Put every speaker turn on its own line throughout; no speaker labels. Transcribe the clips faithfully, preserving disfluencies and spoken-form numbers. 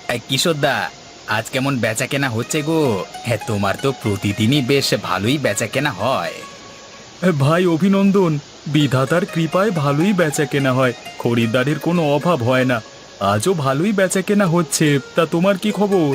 কিশোরদা, আজ কেমন বেচা কেনা হচ্ছে গো? হ্যাঁ, তোমার তো প্রতিদিনই বেশ ভালোই বেচা কেনা হয়।
ভাই অভিনন্দন। বিধাতার কৃপায় ভালোই বেচা কেনা হয়, খরিদ্দারের কোনো অভাব হয় না। আজও ভালোই বেচা কেনা হচ্ছে। তা তোমার কি খবর?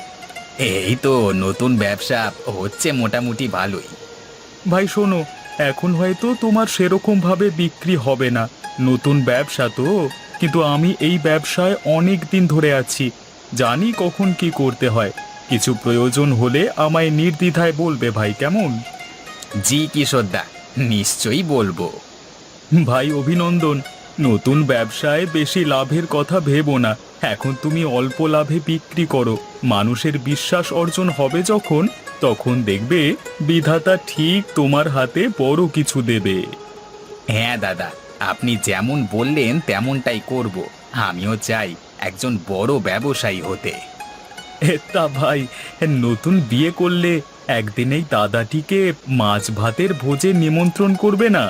এই তো নতুন ব্যবসা হচ্ছে মোটামুটি ভালোই।
ভাই শোনো, এখন হয়তো তোমার সেরকম ভাবে বিক্রি হবে না, নতুন ব্যবসা তো। কিন্তু আমি এই ব্যবসায় অনেক দিন ধরে আছি, জানি কখন কি করতে হয়। কিছু প্রয়োজন হলে আমায় নির্দ্বিধায় বলবে ভাই, কেমন?
জি কিশোরদা, নিশ্চয়ই বলবো।
ভাই অভিনন্দন। নতুন ব্যবসায় বেশি লাভের কথা ভেবো না। এখন তুমি অল্প লাভে বিক্রি করো, মানুষের বিশ্বাস অর্জন হবে যখন, তখন দেখবে বিধাতা ঠিক তোমার হাতে বড় কিছু দেবে।
হ্যাঁ দাদা, আপনি যেমন বললেন তেমনটাই করব। আমিও চাই একজন বড় ব্যবসায়ী হতে।
এ, তা ভাই, নতুন বিয়ে করলে একদিনেই দাদাটিকে মাছ ভাতের ভোজে নিমন্ত্রণ করবে না?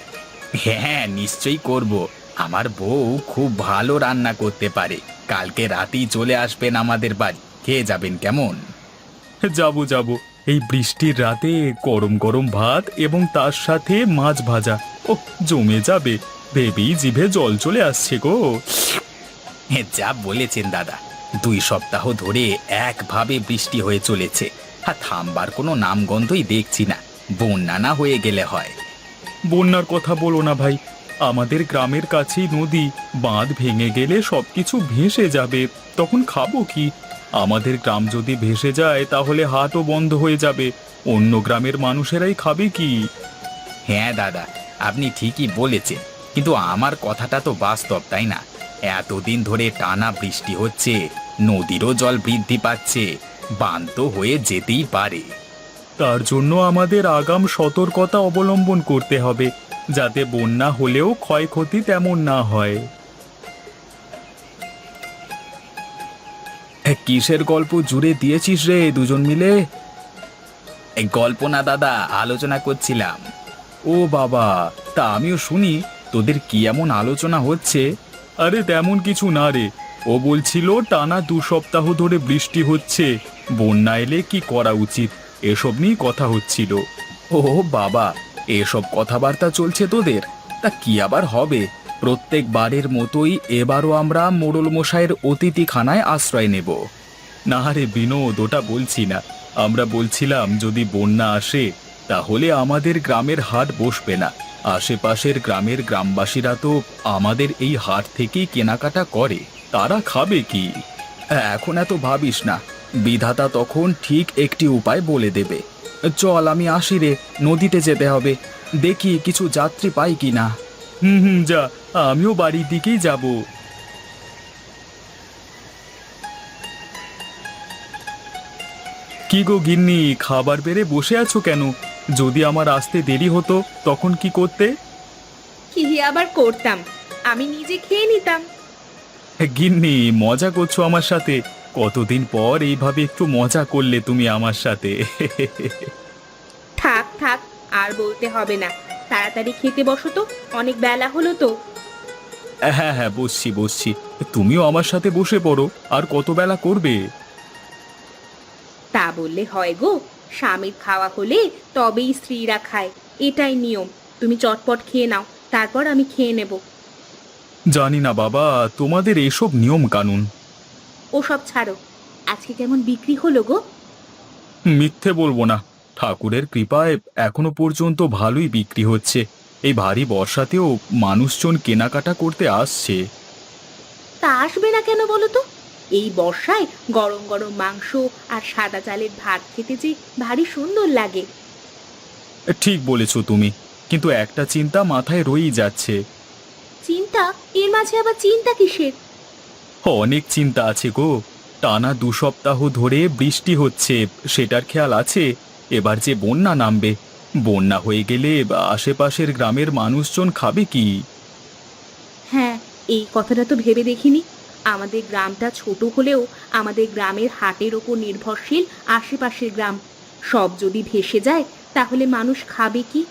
হ্যাঁ, নিশ্চয়ই করব। আমার বউ খুব ভালো রান্না করতে পারে। কালকে রাতেই চলে আসবেন আমাদের বাড়ি, খেয়ে যাবেন কেমন?
যাবো যাবো। এই বৃষ্টির রাতে গরম গরম ভাত এবং তার সাথে মাছ ভাজা, ও জমে যাবে। ভেবেই জিভে জল চলে আসছে গো।
হ্যাঁ, যা বলেছেন দাদা। দুই সপ্তাহ ধরে একভাবে বৃষ্টি হয়ে চলেছে, আর থামবার কোনো নামগন্ধই দেখছি না। বন্যা না হয়ে গেলে হয়।
বন্যার কথা বলো না ভাই, আমাদের গ্রামের কাছেই নদী। বাঁধ ভেঙে গেলে সবকিছু ভেসে যাবে, তখন খাবো কি? আমাদের গ্রাম যদি ভেসে যায় তাহলে হাটও বন্ধ হয়ে যাবে, অন্য গ্রামের মানুষেরাই খাবে কি?
হ্যাঁ দাদা, আপনি ঠিকই বলেছেন, কিন্তু আমার কথাটা তো বাস্তব, তাই না? এতদিন ধরে টানা বৃষ্টি হচ্ছে, নদীরও জল বৃদ্ধি পাচ্ছে, বান তো হয়ে যেতেই পারে।
তার জন্য আমাদের আগাম সতর্কতা অবলম্বন করতে হবে, যাতে বন্যা হলেও ক্ষয়ক্ষতি তেমন না হয়। কিসের গল্প জুড়ে দিয়েছিস রে দুজন মিলে?
এই গল্প না দাদা, আলোচনা করছিলাম।
ও বাবা, তা আমিও শুনি, তোদের কি এমন আলোচনা হচ্ছে? আরে তেমন কিছু না রে, ও বলছিল টানা দু সপ্তাহ ধরে বৃষ্টি হচ্ছে, বন্যা এলে কি করা উচিত, এসব নিয়ে কথা হচ্ছিল। ও বাবা, এসব কথাবার্তা চলছে তোদের? তা কি আবার হবে, প্রত্যেকবারের মতোই এবারও আমরা মোড়ল মশাইয়ের অতিথিখানায় আশ্রয় নেব। না রে বিনোদ, ওটা বলছি না। আমরা বলছিলাম যদি বন্যা আসে তাহলে আমাদের গ্রামের হাট বসবে না। আশেপাশের গ্রামের গ্রামবাসীরা তো আমাদের এই হাট থেকেই কেনাকাটা করে, তারা খাবে কি? এখন এত ভাবিস না, বিধাতা তখন ঠিক একটি উপায় বলে দেবে। চল আমি আসি রে, নদীতে যেতে হবে, দেখি কিছু যাত্রী পাই কি না। হুম হুম, যা, আমিও বাড়ির দিকেই যাব। কি গো গিন্নি, খাবার বেড়ে বসে আছো কেন? যদি আমার আসতে দেরি হতো তখন কি করতে?
কি আবার করতাম, আমি নিজে খেয়ে নিতাম।
গিন্নি, মজা করছো আমার সাথে? কতদিন পর এইভাবে একটু মজা করলে তুমি আমার সাথে।
থাক থাক, আর বলতে হবে না। তাড়াতাড়ি খেতে বসো তো, অনেক বেলা হলো তো।
হ্যাঁ হ্যাঁ, বসছি বসছি। তুমিও আমার সাথে বসে পড়ো, আর কত বেলা করবে?
তা বললে হয় গো, স্বামীর খাওয়া হলে তবেই স্ত্রীরা খায়, এটাই নিয়ম। তুমি চটপট খেয়ে নাও, তারপর আমি খেয়ে নেব।
জানি না বাবা, তোমাদের এসব নিয়ম কানুন।
ওসব ছাড়ো, আজকে কেমন বিক্রি হলো গো?
মিথ্যে বলবো না, ঠাকুরের কৃপায় এখনো পর্যন্ত ভালোই বিক্রি হচ্ছে। এই ভারী বর্ষাতেও মানুষজন কেনাকাটা করতে আসছে।
তা আসবে না কেন বলো তো? এই বর্ষায় গরম গরম মাংস আর সাদা চালের ভাত খেতে যে ভারী সুন্দর লাগে।
ঠিক বলেছো তুমি, কিন্তু একটা চিন্তা মাথায় রয়েই যাচ্ছে।
চিন্তা? এর মাঝে আবার চিন্তা কিসের?
অনেক চিন্তা আছে গো। টানা দু সপ্তাহ ধরে বৃষ্টি হচ্ছে, সেটার খেয়াল আছে। এবার যে বন্যা নামবে, বন্যা হয়ে গেলে আশেপাশের গ্রামের মানুষজন খাবে কি?
হ্যাঁ, এই কথাটা তো ভেবে দেখিনি। আমাদের গ্রামটা ছোট হলেও আমাদের গ্রামের হাটের ওপর নির্ভরশীল আশেপাশের গ্রাম। সব যদি ভেসে যায় তাহলে মানুষ খাবে কি?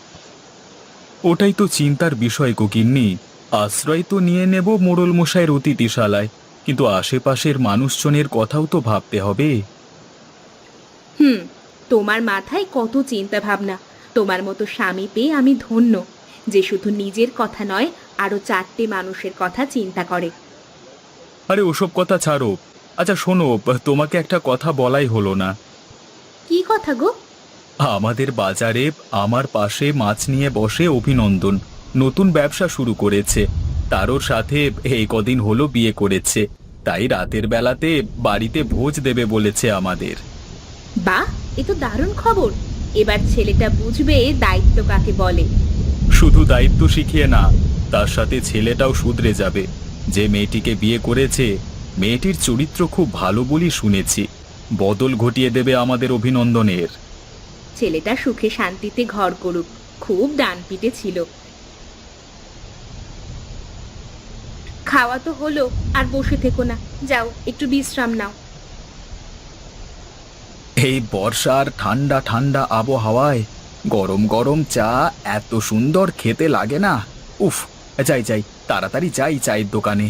ওটাই তো চিন্তার বিষয় গো গিন্নি। আশ্রয় তো নিয়ে নেব মোড়ল মশাইয়ের অতিথিশালায়, কিন্তু আশেপাশের মানুষজনের কথাও তো ভাবতে হবে।
হুম, তোমার মাথায় কত চিন্তা ভাবনা। তোমার মতো স্বামী পেয়ে আমি ধন্য, যে শুধু নিজের কথা নয়, আরো চারটে মানুষের কথা চিন্তা করে।
আরে ওসব কথা ছাড়ো। আচ্ছা শোনো, তোমাকে একটা কথা বলাই হলো না।
কি কথা গো?
আমাদের বাজারে আমার পাশে মাছ নিয়ে বসে অভিনন্দন, নতুন ব্যবসা শুরু করেছে। তারও সাথে এই কদিন হলো বিয়ে করেছে, তাই রাতের বেলাতে বাড়িতে ভোজ দেবে বলেছে আমাদের।
বাহ, এ তো দারুণ খবর। এবার ছেলেটা বুঝবে দায়িত্ব কাকে বলে।
শুধু দায়িত্ব শিখিয়ে না, তার সাথে ছেলেটাও শুধরে যাবে। যে মেয়েটিকে বিয়ে করেছে, মেয়েটির চরিত্র খুব ভালো বলি শুনেছি। বদল ঘটিয়ে দেবে আমাদের অভিনন্দনের।
ছেলেটা সুখে শান্তিতে ঘর করুক। খুব ডানপিটে ছিল। খাওয়া তো হলো, আর বসে থেকো না, যাও একটু বিশ্রাম নাও।
এই বর্ষার ঠান্ডা ঠান্ডা আবহাওয়ায় গরম গরম চা এত সুন্দর খেতে লাগে না। উফ, যাই যাই তাড়াতাড়ি যাই চায়ের দোকানে।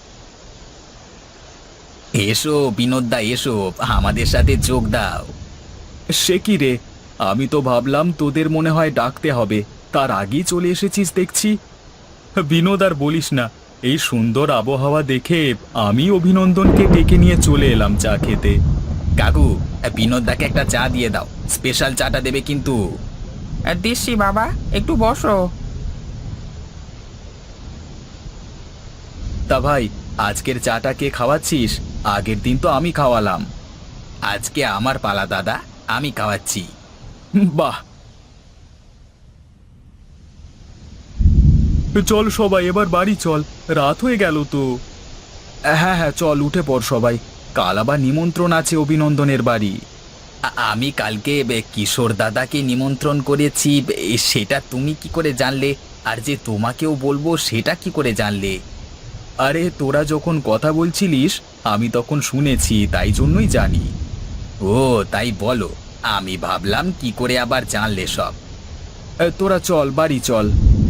এসো বিনোদদা, এসো আমাদের সাথে যোগ দাও।
সে কি রে, আমি তো ভাবলাম তোদের মনে হয় ডাকতে হবে, তার আগেই চলে এসেছিস দেখছি। বিনোদ আর বলিস না, এই সুন্দর আবহাওয়া দেখে আমি অভিনন্দনকে ডেকে নিয়ে চলে এলাম চা খেতে।
কাকু, বিনোদদাকে একটা চা দিয়ে দাও, স্পেশাল চাটা দেবে কিন্তু।
দিচ্ছি বাবা, একটু বসো।
তা ভাই, আজকের চাটা কে খাওয়াচ্ছিস? আগের দিন তো আমি খাওয়ালাম।
আজকে আমার পালা দাদা, আমি খাওয়াচ্ছি।
বাহ, চল সবাই এবার বাড়ি চল, রাত হয়ে গেল তো। হ্যাঁ হ্যাঁ চল, উঠে পড় সবাই, কাল আবার নিমন্ত্রণ আছে অভিনন্দনের বাড়ি।
আ- আমি কালকে বে- কিশোর দাদাকে নিমন্ত্রণ করেছি, এ, সেটা তুমি কি করে জানলে? আর যে তোমাকেও বলবো সেটা কি করে জানলে?
আরে তোরা যখন কথা বলছিলিস আমি তখন শুনেছি, তাই জন্যই জানি।
ও তাই বলো, আমি ভাবলাম কি করে আবার জানলে সব।
এ, তোরা চল বাড়ি চল।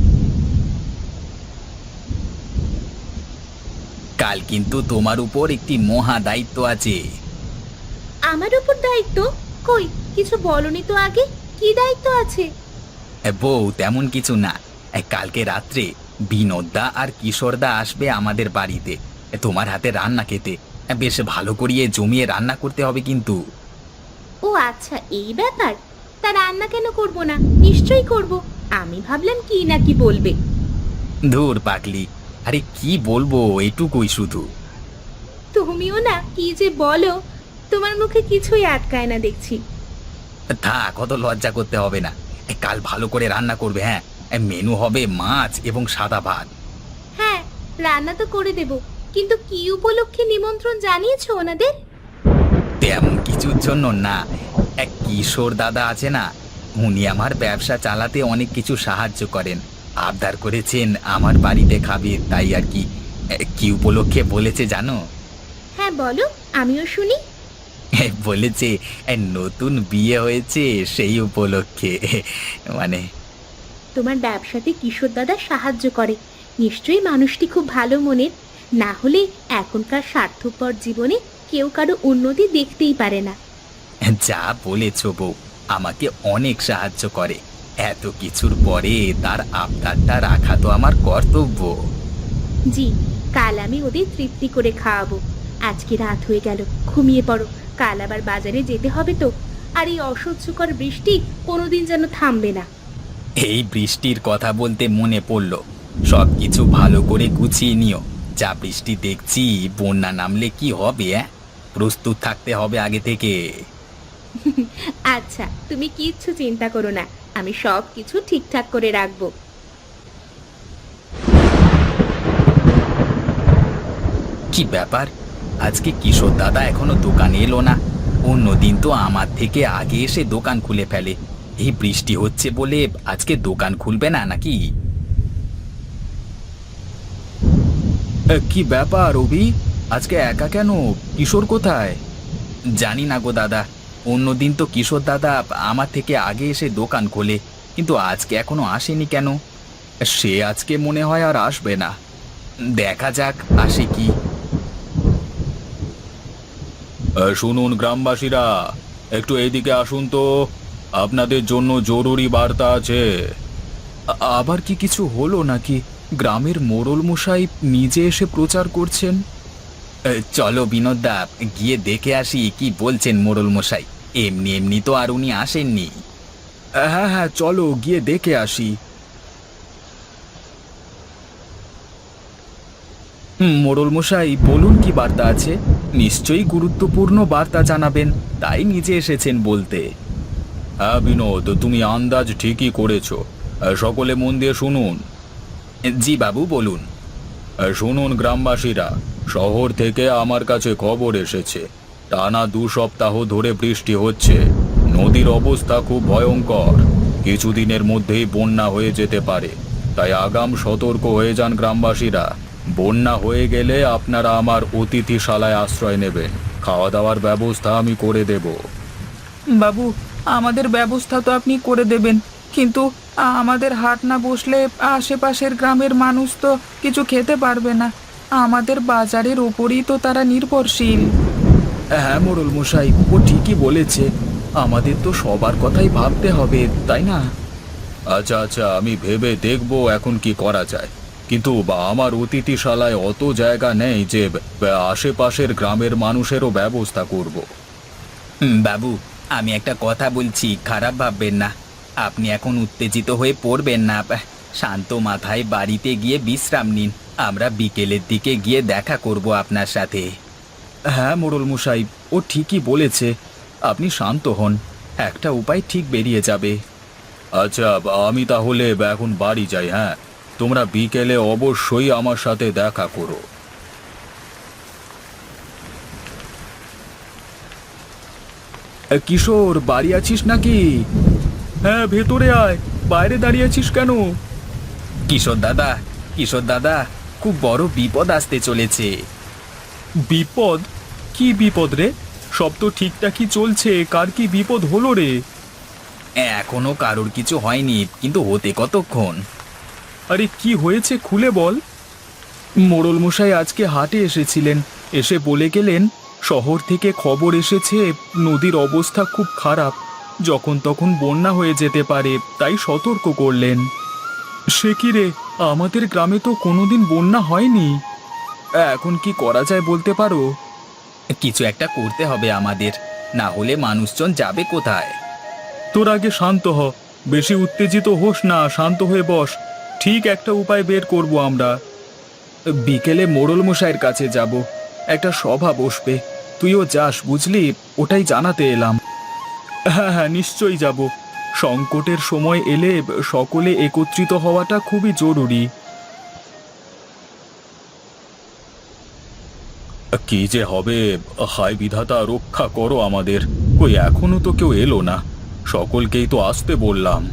কাল কিন্তু তোমার উপর একটি মহা দায়িত্ব আছে।
আমার উপর দায়িত্ব? কই, কিছু বলনি তো আগে। কি দায়িত্ব আছে?
এ, বউ তেমন কিছু না। এ, কালকে রাত্রে বিনোদদা আর কিশোরদা আসবে আমাদের বাড়িতে, এ, তোমার হাতে রান্না খেতে। এ, বেশ ভালো করিয়ে জমিয়ে রান্না করতে হবে কিন্তু।
ও আচ্ছা, এই ব্যাপার। তা রান্না কেন করব না? নিশ্চয়ই করব। আমি ভাবলাম কি না কি বলবে।
ধুর পাগলি, আরে কি বলবো, এটুকুই শুধু।
তুমিও না কি যে বলো, তোমার মুখে কিছুই আটকায় না দেখছি।
থাক, কত লজ্জা করতে হবে না। এ, কাল ভালো করে রান্না করবে। হ্যাঁ, এ, মেনু হবে মাছ এবং সাদা ভাত।
হ্যাঁ, রান্না তো করে দেব, কিন্তু কি উপলক্ষে নিমন্ত্রণ জানিয়েছো ওনাদের?
তেমন কিছুর জন্য না। এক কিশোর দাদা আছে না, উনি আমার ব্যবসা চালাতে অনেক কিছু সাহায্য করেন। আবদার করেছেন আমার বাড়িতে খাবে, তাই আর কি। এ, কি উপলক্ষে বলেছে জানো?
হ্যাঁ বলো, আমিও শুনি।
এ, বলেছে এ, নতুন বিয়ে হয়েছে সেই উপলক্ষে। মানে
তোমার ব্যবসাতে কিশোর দাদা সাহায্য করে, নিশ্চয়ই মানুষটি খুব ভালো মনের। না হলে এখনকার স্বার্থপর জীবনে কেউ কারো উন্নতি দেখতেই পারে না।
যা বলেছ বউ, আমাকে অনেক সাহায্য করে। এত কিছুর পরে তার আবদারটা রাখা তো আমার কর্তব্য।
জি, কাল আমি ওদের তৃপ্তি করে খাওয়াবো। আজকে রাত হয়ে গেল, ঘুমিয়ে পড়ো। কাল আবার বাজারে যেতে হবে তো। আর এই অসহ্যকর বৃষ্টি কোনোদিন যেন থামবে না।
এই বৃষ্টির কথা বলতে মনে পড়ল, সব কিছু ভালো করে গুছিয়ে নিও। যা বৃষ্টি দেখছি, বন্যা নামলে কি হবে? অ্যাঁ, প্রস্তুত থাকতে হবে আগে থেকে।
আচ্ছা, তুমি কিচ্ছু চিন্তা করো না, আমি সব কিছু ঠিকঠাক করে রাখবো।
কি ব্যাপার, আজকে কিশোর দাদা এখনো দোকানে এলো না? অন্যদিন তো আমার থেকে আগে এসে দোকান খুলে ফেলে। এই বৃষ্টি হচ্ছে বলে আজকে দোকান খুলবে না নাকি?
এ, কি ব্যাপার রবি, আজকে একা কেন? কিশোর কোথায়?
জানি না গো দাদা, অন্যদিন তো কিশোর দাদা আমার থেকে আগে এসে দোকান খোলে, কিন্তু আজকে এখনো আসেনি কেন?
সে আজকে মনে হয় আর আসবে না।
দেখা যাক আসে কি।
আহ, শুনুন গ্রামবাসীরা, একটু এইদিকে আসুন তো, আপনাদের জন্য জরুরি বার্তা আছে। আ- আবার কি কিছু হলো নাকি? গ্রামের মোড়ল মশাই নিজে এসে প্রচার করছেন।
এ, চলো বিনোদদা, গিয়ে দেখে আসি কি বলছেন মোড়ল মশাই। এমনি এমনি তো আর উনি আসেননি।
হ্যাঁ হ্যাঁ, চলো গিয়ে দেখে আসি। হুম, মোড়ল মশাই বলুন, কি বার্তা আছে? নিশ্চয়ই গুরুত্বপূর্ণ বার্তা জানাবেন, তাই নিজে এসেছেন বলতে। হ্যাঁ বিনোদ, তুমি আন্দাজ ঠিকই করেছো। আহ, সকলে মন দিয়ে শুনুন।
জি বাবু, বলুন।
আহ, শুনুন গ্রামবাসীরা, শহর থেকে আমার কাছে খবর এসেছে টানা দু সপ্তাহ ধরে বৃষ্টি হচ্ছে। নদীর অবস্থা খুব ভয়ঙ্কর, কিছুদিনের মধ্যেই বন্যা হয়ে যেতে পারে। তাই আগাম সতর্ক হয়ে যান গ্রামবাসীরা। বন্যা হয়ে গেলে আপনারা আমার অতিথিশালায় আশ্রয় নেবেন, খাওয়া দাওয়ার ব্যবস্থা আমি করে দেব।
বাবু, আমাদের ব্যবস্থা তো আপনি করে দেবেন, কিন্তু আমাদের হাট না বসলে আশেপাশের গ্রামের মানুষ তো কিছু খেতে পারবে না। আমাদের বাজারের ওপরই তো তারা নির্ভরশীল।
হ্যাঁ মোড়ল মশাই, ও ঠিকই বলেছে, আমাদের তো সবার কথাই ভাবতে হবে, তাই না? আচ্ছা আচ্ছা, আমি ভেবে দেখব এখন কি করা যায়। কিন্তু বা আমার অতিথিশালায় অত জায়গা নেই যে বা, আশেপাশের গ্রামের মানুষেরও ব্যবস্থা করব।
হুম, বাবু, আমি একটা কথা বলছি, খারাপ ভাববেন না। আপনি এখন উত্তেজিত হয়ে পড়বেন না। শান্ত মাথায় বাড়িতে গিয়ে বিশ্রাম নিন। আমরা বিকেলের দিকে গিয়ে দেখা করব আপনার সাথে।
হ্যাঁ মোড়ল মশাই, ও ঠিকই বলেছে, আপনি শান্ত হন, একটা উপায় ঠিক বেরিয়ে যাবে। আচ্ছা, আমি তাহলে এখন বাড়ি যাই। হ্যাঁ, তোমরা বিকেলে অবশ্যই আমার সাথে দেখা করো। কিশোর, বাড়ি আছিস নাকি? হ্যাঁ, ভেতরে আয়, বাইরে দাঁড়িয়ে আছিস কেন?
কিশোর দাদা, কিশোর দাদা, খুব বড় বিপদ আসতে চলেছে।
বিপদ? কি বিপদ রে? সব তো ঠিকঠাকই চলছে, কার কি বিপদ হলো রে?
এখনো কারোর কিছু হয়নি, কিন্তু হতে কতক্ষণ।
আরে কি হয়েছে খুলে বল। মোড়ল মশাই আজকে হাটে এসেছিলেন, এসে বলে গেলেন শহর থেকে খবর এসেছে নদীর অবস্থা খুব খারাপ, যখন তখন বন্যা হয়ে যেতে পারে, তাই সতর্ক করলেন। সে কি রে, আমাদের গ্রামে তো কোনোদিন বন্যা হয়নি। এখন কি করা যায় বলতে পারো?
কিছু একটা করতে হবে আমাদের, না হলে মানুষজন যাবে কোথায়?
তোর আগে শান্ত হ, বেশি উত্তেজিত হোস না, শান্ত হয়ে বস। ঠিক একটা উপায় বের করব আমরা। বিকেলে মোড়ল মশাইয়ের কাছে যাব, একটা সভা বসবে, তুইও যাস বুঝলি, ওটাই জানাতে এলাম। হ্যাঁ হ্যাঁ, নিশ্চয়ই যাব। সংকটের সময় এলে সকলে একত্রিত হওয়াটা খুবই জরুরি। কি যে হবে, হায় বিধাতা, রক্ষা করো আমাদের। কই এখনো তো কেউ এলো না, সকলকেই তো আসতে বললাম।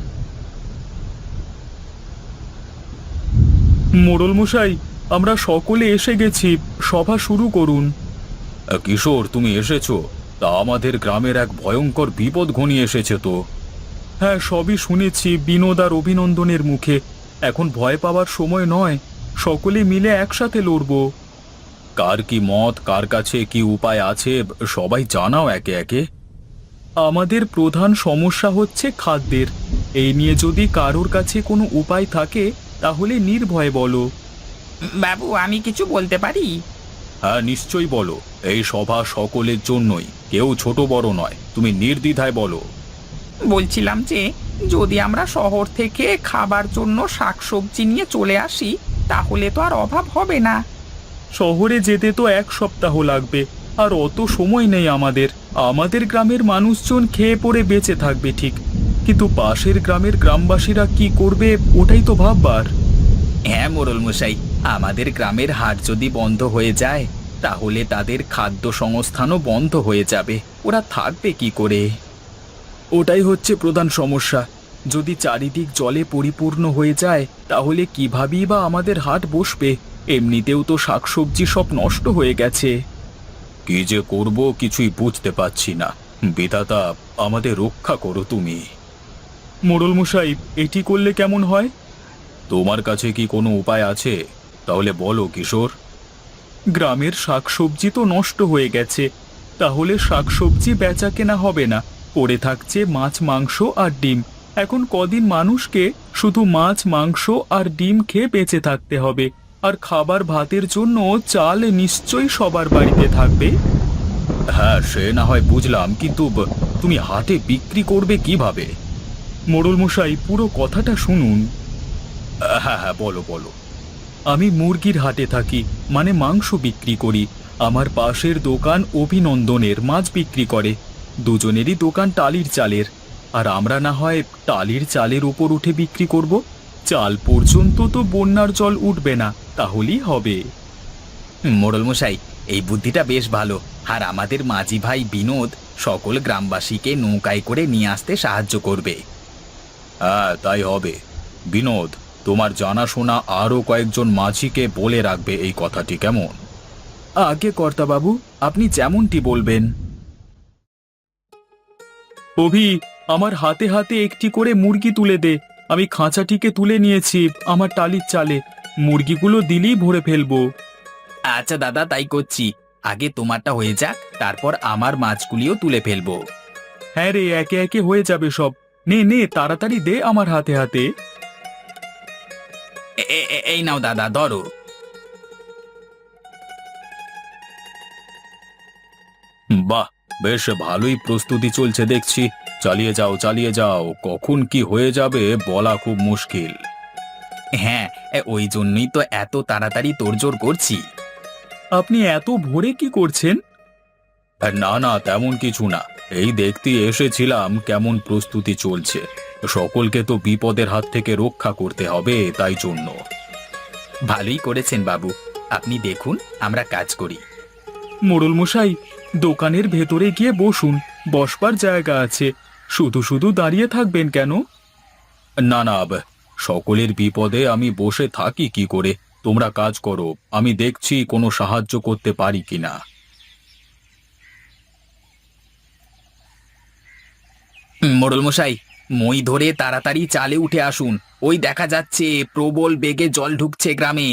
মোড়ল মশাই, আমরা সকলে এসে গেছি, সভা শুরু করুন। কিশোর, তুমি এসেছো? তা আমাদের গ্রামের এক ভয়ঙ্কর বিপদ ঘনিয়ে এসেছে তো। হ্যাঁ, সবই শুনেছি বিনোদ আর অভিনন্দনের মুখে। এখন ভয় পাওয়ার সময় নয়, সকলে মিলে একসাথে লড়ব। কার কি মত, কার কাছে কি উপায় আছে, সবাই জানাও একে একে। আমাদের প্রধান সমস্যা হচ্ছে খাদ্যের। এই নিয়ে যদি কারোর কাছে কোনো উপায় থাকে তাহলে নির্ভয়ে বলো।
বাবু, আমি কিছু বলতে পারি?
হ্যাঁ নিশ্চয়ই বলো, এই সভা সকলের জন্যই, কেউ ছোট বড় নয়, তুমি নির্দ্বিধায় বলো।
বলছিলাম যে যদি আমরা শহর থেকে খাবার জন্য শাকসবজি নিয়ে চলে আসি, তাহলে তো আর অভাব হবে না।
শহরে যেতে তো এক সপ্তাহ লাগবে, আর অত সময় নেই আমাদের। আমাদের গ্রামের মানুষজন খেয়ে পড়ে বেঁচে থাকবে ঠিক, কিন্তু পাশের গ্রামের গ্রামবাসীরা কি করবে ওটাই তো ভাববার।
হ্যাঁ মোড়ল মশাই, আমাদের গ্রামের হাট যদি বন্ধ হয়ে যায়, তাহলে তাদের খাদ্য সংস্থানও বন্ধ হয়ে যাবে। ওরা থাকবে কি করে?
ওটাই হচ্ছে প্রধান সমস্যা। যদি চারিদিক জলে পরিপূর্ণ হয়ে যায় তাহলে কিভাবেই বা আমাদের হাট বসবে? এমনিতেও তো শাকসবজি সব নষ্ট হয়ে গেছে। কি যে করব কিছুই বুঝতে পারছি না, বিধাতা আমাদের রক্ষা করো তুমি। মোড়ল মশাই, এটি করলে কেমন হয়? তোমার কাছে কি কোনো উপায় আছে? তাহলে বলো কিশোর। গ্রামের শাকসবজি তো নষ্ট হয়ে গেছে, তাহলে শাকসবজি বেচা কেনা হবে না, পড়ে থাকছে মাছ মাংস আর ডিম। এখন কদিন মানুষকে শুধু মাছ মাংস আর ডিম খেয়ে বেঁচে থাকতে হবে, আর খাবার ভাতের জন্য চাল নিশ্চয়ই সবার বাড়িতে থাকবে। হ্যাঁ সে না হয় বুঝলাম, কিন্তু ব- তুমি হাটে বিক্রি করবে কিভাবে? মোড়ল মশাই, পুরো কথাটা শুনুন। হ্যাঁ হ্যাঁ বলো বলো। আমি মুরগির হাটে থাকি, মানে মাংস বিক্রি করি। আমার পাশের দোকান অভিনন্দনের মাছ বিক্রি করে। দুজনেরই দোকান টালির চালের, আর আমরা না হয় টালির চালের উপর উঠে বিক্রি করব। চাল পর্যন্ত তো বন্যার জল উঠবে না, তাহলেই হবে।
মোড়ল মশাই, এই বুদ্ধিটা বেশ ভালো। আর আমাদের মাঝি ভাই বিনোদ সকল গ্রামবাসীকে নৌকায় করে নিয়ে আসতে সাহায্য করবে।
হ্যাঁ তাই হবে। বিনোদ, তোমার জানাশোনা আরও কয়েকজন মাঝিকে বলে রাখবে এই কথাটি, কেমন? আগে কর্তাবাবু, আপনি যেমনটি বলবেন। অভি, আমার হাতে হাতে একটি করে মুরগি তুলে দে। আমি খাঁচাটিকে তুলে নিয়েছি আমার টালির চালে, মুরগিগুলো দিলেই ভরে ফেলবো।
আচ্ছা দাদা, তাই করছি। আগে তোমারটা হয়ে যাক, তারপর আমার মাছগুলিও তুলে ফেলবো।
হ্যাঁ রে, একে একে হয়ে যাবে সব। নে নে, তাড়াতাড়ি দে আমার হাতে হাতে।
এ- এ- এ- এই নাও দাদা, ধরো।
বাহ, বেশ ভালোই প্রস্তুতি চলছে দেখছি। চালিয়ে যাও চালিয়ে যাও, কখন কি হয়ে যাবে বলা খুব মুশকিল।
হ্যাঁ, এ, ওই জন্যই তো এত তাড়াতাড়ি তোড়জোড় করছি।
আপনি এত ভোরে কি করছেন? না না, তেমন কিছু না। এই দেখতে এসেছিলাম কেমন প্রস্তুতি চলছে। সকলকে তো বিপদের হাত থেকে রক্ষা করতে হবে, তাই জন্য।
ভালোই করেছেন বাবু। আপনি দেখুন, আমরা কাজ করি।
মোড়ল মশাই, দোকানের ভেতরে গিয়ে বসুন, বসবার জায়গা আছে। শুধু শুধু দাঁড়িয়ে থাকবেন কেন? না না, ব- সকলের বিপদে আমি বসে থাকি কি করে? তোমরা কাজ করো, আমি দেখছি কোনো সাহায্য করতে পারি কিনা।
হুম, মোড়ল মশাই, মই ধরে তাড়াতাড়ি চালে উঠে আসুন। ওই দেখা যাচ্ছে প্রবল বেগে জল ঢুকছে গ্রামে।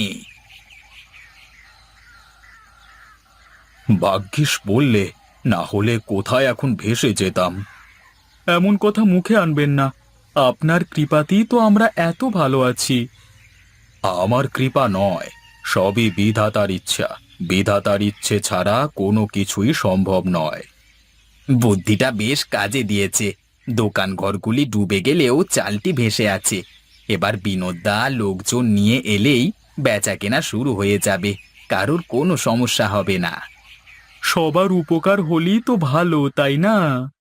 ভাগ্যিস বললে, না হলে কোথায় এখন ভেসে যেতাম। এমন কথা মুখে আনবেন না। আপনার কৃপাতেই তো আমরা এত ভালো আছি। আমার কৃপা নয়, সবই বিধাতার ইচ্ছা। বিধাতার ইচ্ছে ছাড়া কোনো কিছুই সম্ভব নয়।
বুদ্ধিটা বেশ কাজে দিয়েছে। দোকান ঘরগুলি ডুবে গেলেও চালটি ভেসে আছে। এবার বিনোদদা লোকজন নিয়ে এলেই বেচা কেনা শুরু হয়ে যাবে, কারোর কোনো সমস্যা হবে না।
সবার উপকার হলেই তো ভালো, তাই না?